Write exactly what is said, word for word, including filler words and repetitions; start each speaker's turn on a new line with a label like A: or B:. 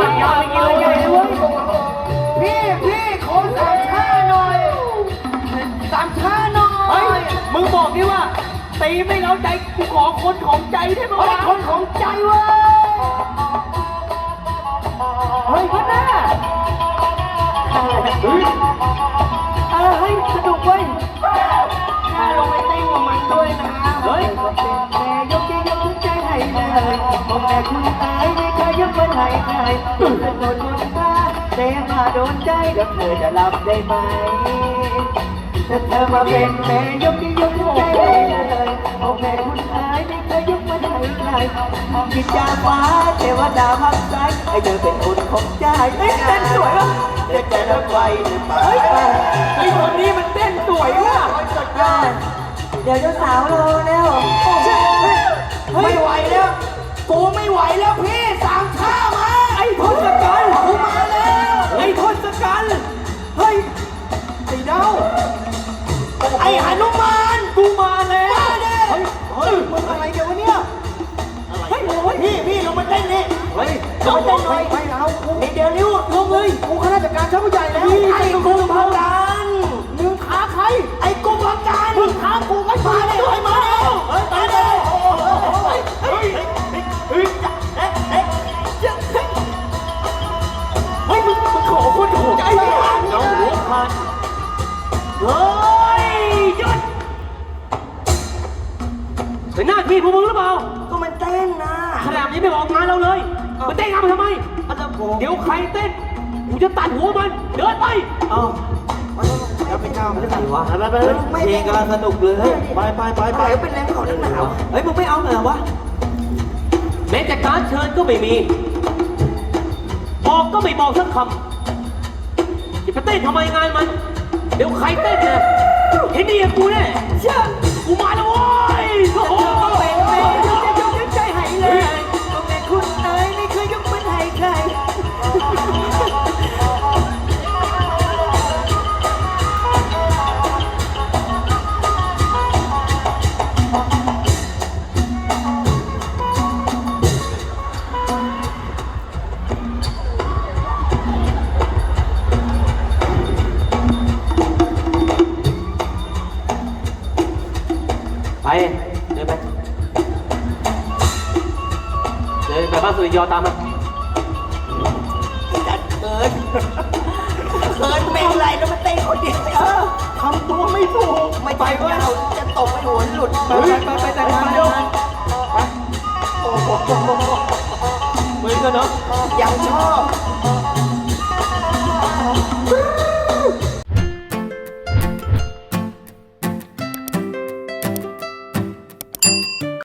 A: ดยาวอย่างนี้เลยใหญ่เลยเว้ยพี่พี่ขอสามชาหน่อยสามชาหน่อยเฮ้ยมึงบอกดิว่าตีไม่เล้าใจกูขอคนของใจได้ไหมวะคนของใจเว้ยเฮ้ยพัดหน้าเฮ้ยเออเฮ้ยสนุกเว้ยถ้าลงไปเต้นกับมันด้วยนะเฮ้ยแม่ยกใจยกใจให้เลยผมแม่คุณตายไม่เคยยกมันให้ใครคุณเป็นคนมนตาแต่มาโดนใจแล้วเธอจะรับได้ไหมถ้าเธอมาเป็นแม่ยกใจยกใจให้เลยผมแม่คุณตายไม่เคยยกมันให้ใครกินยาฟ้าเทวดาพักใจให้เธอเป็นคนของใจเฮ้ยเต้นสวยว่ะเด็กแต่ละวัยเฮ้ยไอ้คนนี้มันเต้นสวยว่ะสุดยอดเดี๋ยวเจ้าสาวรอแล้วไม่ไหวแล้วกูไม่ไหวแล้วพี่สามท่ามาไอ้ทศกัณฐ์กูมาแล้วไอ้ทศกัณฐ์เฮ้ยไอ้เดาไอ้หนุมานกูมาแล้วเฮ้ยเฮ้ยมึงอะไรเดี๋ยววะเนี่ยเฮ้ยพี่พี่ลงมาเต้นนี่เฮ้ยลงมาเต้นหน่อยไม่เอานี่เดี๋ยวนิ้วลงเลยกูข้าราชการชั้นผู้ใหญ่แล้วไอ้กุมภกันมึงท้าใครไอ้กุมภกันมึงท้ากูก็มาเลยไอ้มาแล้วเฮ้ยมาเลยเฮ้ยเฮ้ยเฮ้ยเฮ้ยเฮ้ยมึงมึงขอคนถูกใจไม่ได้เอาหัวพันเฮ้ยหยุดเป็นหน้าที่พวกมึงหรือเปล่าก็มันเต้นนะขนาดนี้ไม่บอกงานเราเลยมันเต้นงานมาทำไมเดี๋ยวใครเต้นกูจะตัดหัวมันเดินไปเอ้าแล้วไปเจ้าไม่ได้วะไปไปเพลงกำลังสนุกเลยไปไปไปไปเป็นแรงเขาหนาวเฮ้ยมึงไม่เอาเหรอวะแม้แต่การเชิญก็ไม่มีบอกก็ไม่บอกสักคำจะไปเต้นทำไมงานมันเดี๋ยวใครเต้นเนี่ยเห็นดีกับกูแน่เชื่อกูมาแล้วโว้ยโอ้โหเป็นแม่ยกยกใจให้เลยก็แม่คุณเอ๋ยไม่เคยยกมันให้ใครไปเดินไปเดินไปบ้านสุริยอตามมาจัดเกินเกินเป็นไรแล้วมาเต้นคนเดียวทำตัวไม่ถูกไม่ไปว่าเราจะตกไปหัวหลุดไปไปไปแต่งงานเร็วโอ้โหเหมือนกันเนาะยังชอบ